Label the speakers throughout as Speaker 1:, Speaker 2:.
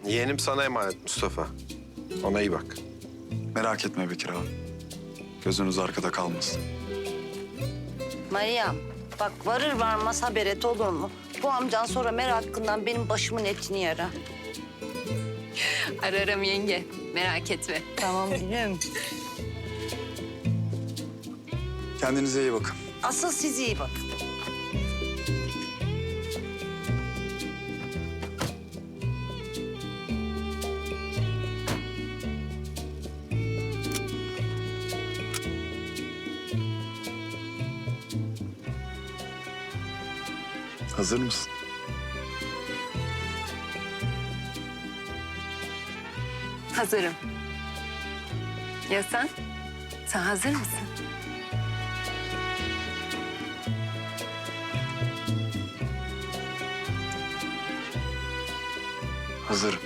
Speaker 1: Yeğenim sana emanet Mustafa. Ona iyi bak.
Speaker 2: Merak etme Bekir abi. Gözünüz arkada kalmasın.
Speaker 3: Meryem, bak varır varmaz haber et olur mu? Bu amcan sonra merakından benim başımın etini yara.
Speaker 4: Ararım yenge. Merak etme.
Speaker 3: Tamam gülüm.
Speaker 2: Kendinize iyi bakın.
Speaker 3: Asıl siz iyi bakın.
Speaker 2: Hazır mısın?
Speaker 4: Hazırım. Ya sen? Sen hazır mısın?
Speaker 2: Hazırım.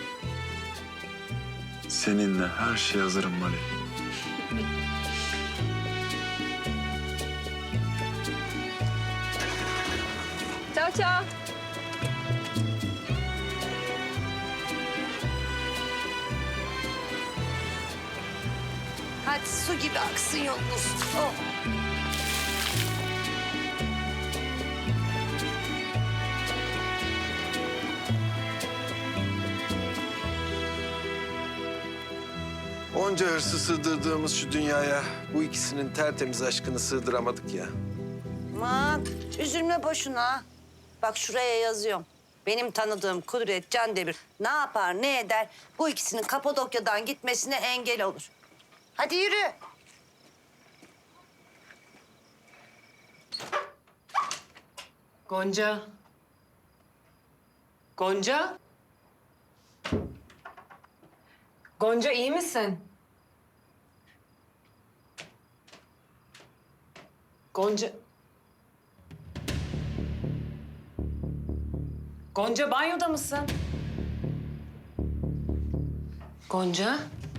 Speaker 2: Seninle her şeye hazırım Mali.
Speaker 4: Ciao ciao.
Speaker 3: Hadi su gibi aksın yolunuz. Oh.
Speaker 1: Onca hırsı sığdırdığımız şu dünyaya bu ikisinin tertemiz aşkını sığdıramadık ya.
Speaker 3: Aman üzülme boşuna. Bak şuraya yazıyorum. Benim tanıdığım Kudret Candemir ne yapar ne eder bu ikisinin Kapadokya'dan gitmesine engel olur. Hadi yürü.
Speaker 5: Gonca. Gonca. Gonca iyi misin? Gonca. Gonca banyoda mısın? Gonca.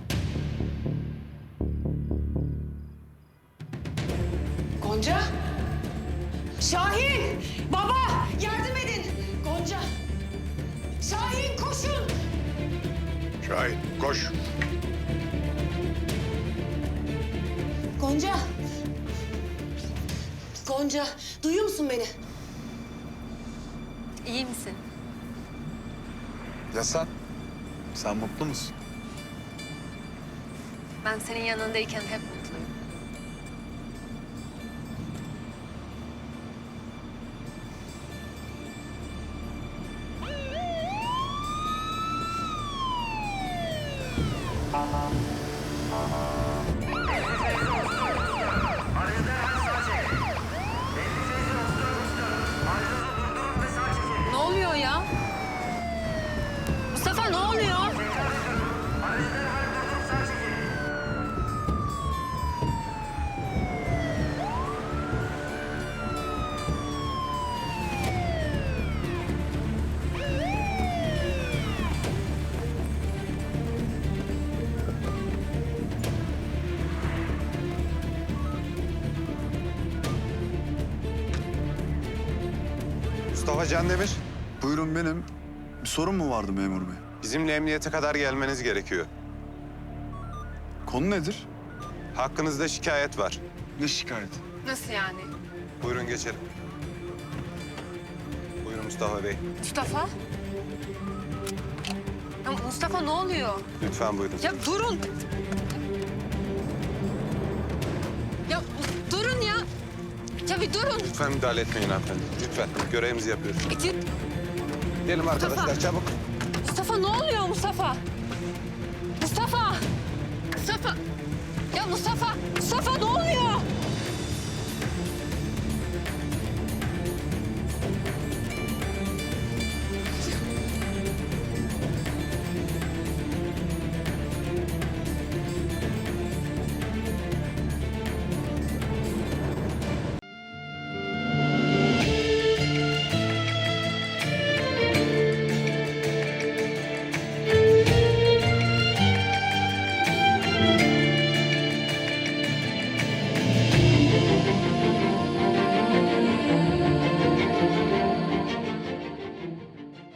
Speaker 5: Gonca. Şahin! Baba! Yardım edin! Gonca! Şahin koşun!
Speaker 1: Şahin koş.
Speaker 5: Gonca! Gonca, duyuyor musun beni?
Speaker 4: İyi misin?
Speaker 2: Ya sen? Sen mutlu musun?
Speaker 4: Ben senin yanındayken hep mutluyum. Ne oluyor ya? Mustafa ne oluyor?
Speaker 6: Mustafa Candemir,
Speaker 2: Buyurun benim. Bir sorun mu vardı memur bey?
Speaker 6: bizimle emniyete kadar gelmeniz gerekiyor.
Speaker 2: Konu nedir?
Speaker 6: Hakkınızda şikayet var.
Speaker 2: Ne şikayeti?
Speaker 4: Nasıl yani?
Speaker 6: Buyurun geçelim. Buyurun Mustafa Bey.
Speaker 4: Mustafa? Ya Mustafa ne oluyor?
Speaker 6: Lütfen buyurun.
Speaker 4: Ya durun. Ya durun ya. Ya bir durun.
Speaker 6: Lütfen müdahale etmeyin hanımefendi. Lütfen. Görevimizi yapıyoruz.
Speaker 4: Git.
Speaker 6: Gelin arkadaşlar
Speaker 4: Mustafa.
Speaker 6: çabuk.
Speaker 4: Mustafa ne oluyor Mustafa? Mustafa! Mustafa! Ya Mustafa! Mustafa ne oluyor?